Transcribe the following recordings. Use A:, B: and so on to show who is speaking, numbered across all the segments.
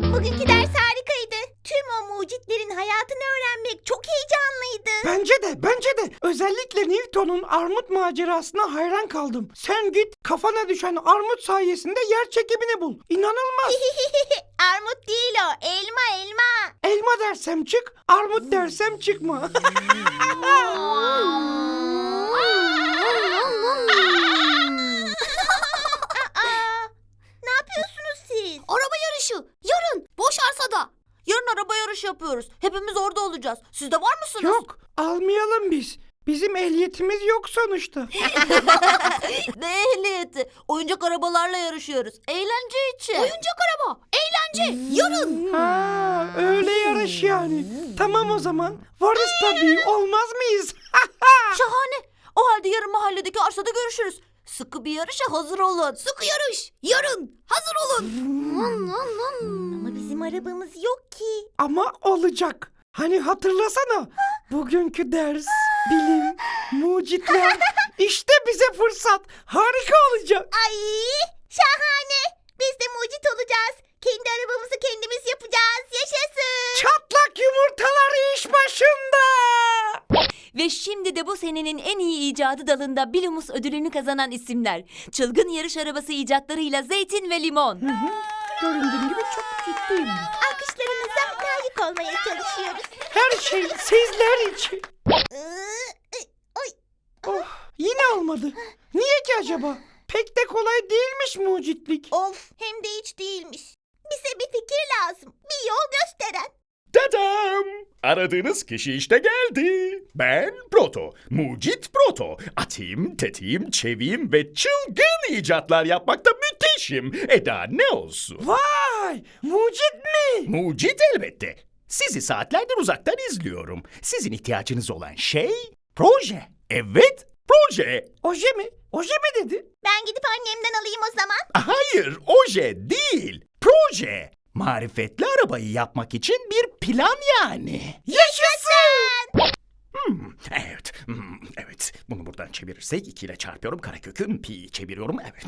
A: Bugünkü ders harikaydı. Tüm o mucitlerin hayatını öğrenmek çok heyecanlıydı.
B: Bence de. Özellikle Newton'un armut macerasına hayran kaldım. Sen git kafana düşen armut sayesinde yer çekimini bul. İnanılmaz.
A: Armut değil o, elma.
B: Elma dersem çık, armut dersem çıkma.
A: Ne yapıyorsunuz siz?
C: Araba yarışı. Yarın. Boş arsada. Yarın araba yarışı yapıyoruz. Hepimiz orada olacağız. Siz de var mısınız?
B: Yok, almayalım biz. Bizim ehliyetimiz yok sonuçta.
C: Ne ehliyeti? Oyuncak arabalarla yarışıyoruz. Eğlence için. Oyuncak araba. Eğlence. Yarın.
B: Ha, öyle yarış yani. Tamam o zaman. Varız tabii, olmaz mıyız?
C: Şahane. O halde yarın mahalledeki arsada görüşürüz. Sıkı bir yarışa hazır olun. Sıkı yarış. Yarın. Hazır olun.
A: Ama bizim arabamız yok ki.
B: Ama olacak. Hani hatırlasana. Bugünkü ders, bilim, mucitler. İşte bize fırsat. Harika olacak.
A: Ay, şahane. Biz de mucit olacağız. Kendi arabamızı kendimiz yapacağız. Yaşasın.
B: Çatlak yumurtalar iş başında.
D: Ve şimdi de bu senenin en iyi icadı dalında Bilumus ödülünü kazanan isimler. Çılgın yarış arabası icatlarıyla Zeytin ve Limon.
B: Göründüğüm gibi çok ciddiyim.
A: Alkışlarınıza layık olmaya çalışıyoruz.
B: Her şey sizler için.
A: Oy.
B: Oh, yine olmadı. Niye ki acaba? Pek de kolay değilmiş mucitlik.
A: Of, hem de hiç değilmiş. Bize bir fikir lazım. Bir yol gösteren.
E: Tadam! Aradığınız kişi işte geldi. Ben Proto, mucit Proto. Atayım, tetiğim, çeviyim ve çılgın icatlar yapmakta müthişim. Eda ne olsun?
B: Vay, mucit mi?
E: Mucit elbette. Sizi saatlerdir uzaktan izliyorum. Sizin ihtiyacınız olan şey proje. Evet, proje.
B: Oje mi? Oje mi dedi?
A: Ben gidip annemden alayım o zaman.
E: Hayır, oje değil. Proje. Marifetli arabayı yapmak için bir plan yani.
B: Yaşasın!
E: Evet. Bunu buradan çevirirsek 2 ile çarpıyorum. Karekökü pi çeviriyorum. Evet.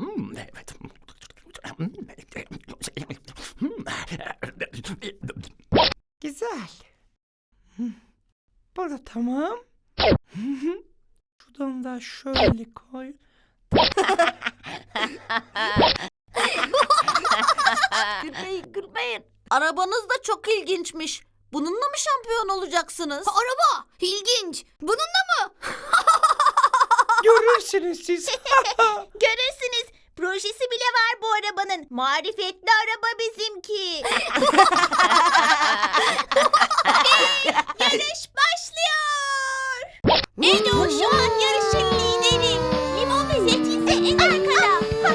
B: Güzel. Bu da tamam. Şuradan da şöyle koy.
C: Gülmeyin. Arabanız da çok ilginçmiş. Bununla mı şampiyon olacaksınız? Araba. İlginç. Bununla mı?
B: Görürsünüz siz.
A: Görürsünüz. Projesi bile var bu arabanın. Marifetli araba bizimki. Ve yarış başlıyor. Edo şu an yarışın lideri. Limon ve Zeytin ise en arkada.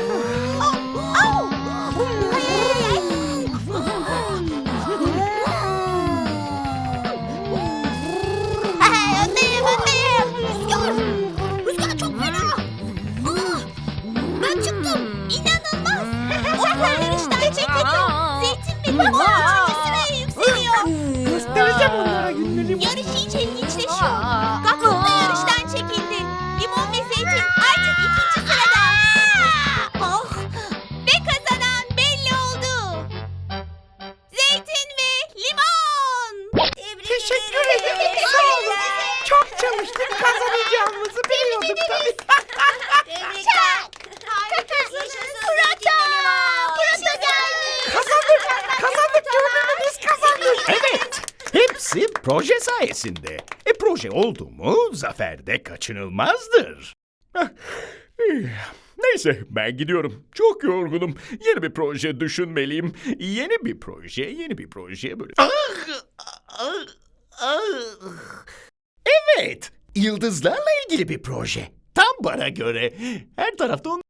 C: Rüzgar çok fena. Ben çıktım.
A: İnanılmaz. Osman yarıştan çekildi. Zeytin ve Limon 3. sıraya yükseliyor.
B: Göstereceğim onlara günleri.
A: Yarış iyice ilginçleşiyor. Gaktuz da yarıştan çekildi. Limon ve Zeytin artık 2. sırada. Ve kazanan belli oldu. Zeytin ve Limon.
B: Teşekkür ederim. Sağ olun. Çok çalıştık, kazanacağımızı biliyorduk tabii.
A: Çak. Harikasınız. Pırata geldi.
B: Kazandık gördün mü, biz kazandık.
E: Evet. Hepsi proje sayesinde. Proje oldu mu zafer de kaçınılmazdır. Neyse ben gidiyorum. Çok yorgunum. Yeni bir proje düşünmeliyim. Yeni bir proje böyle. Evet. Yıldızlarla ilgili bir proje. Tam bana göre. Her tarafta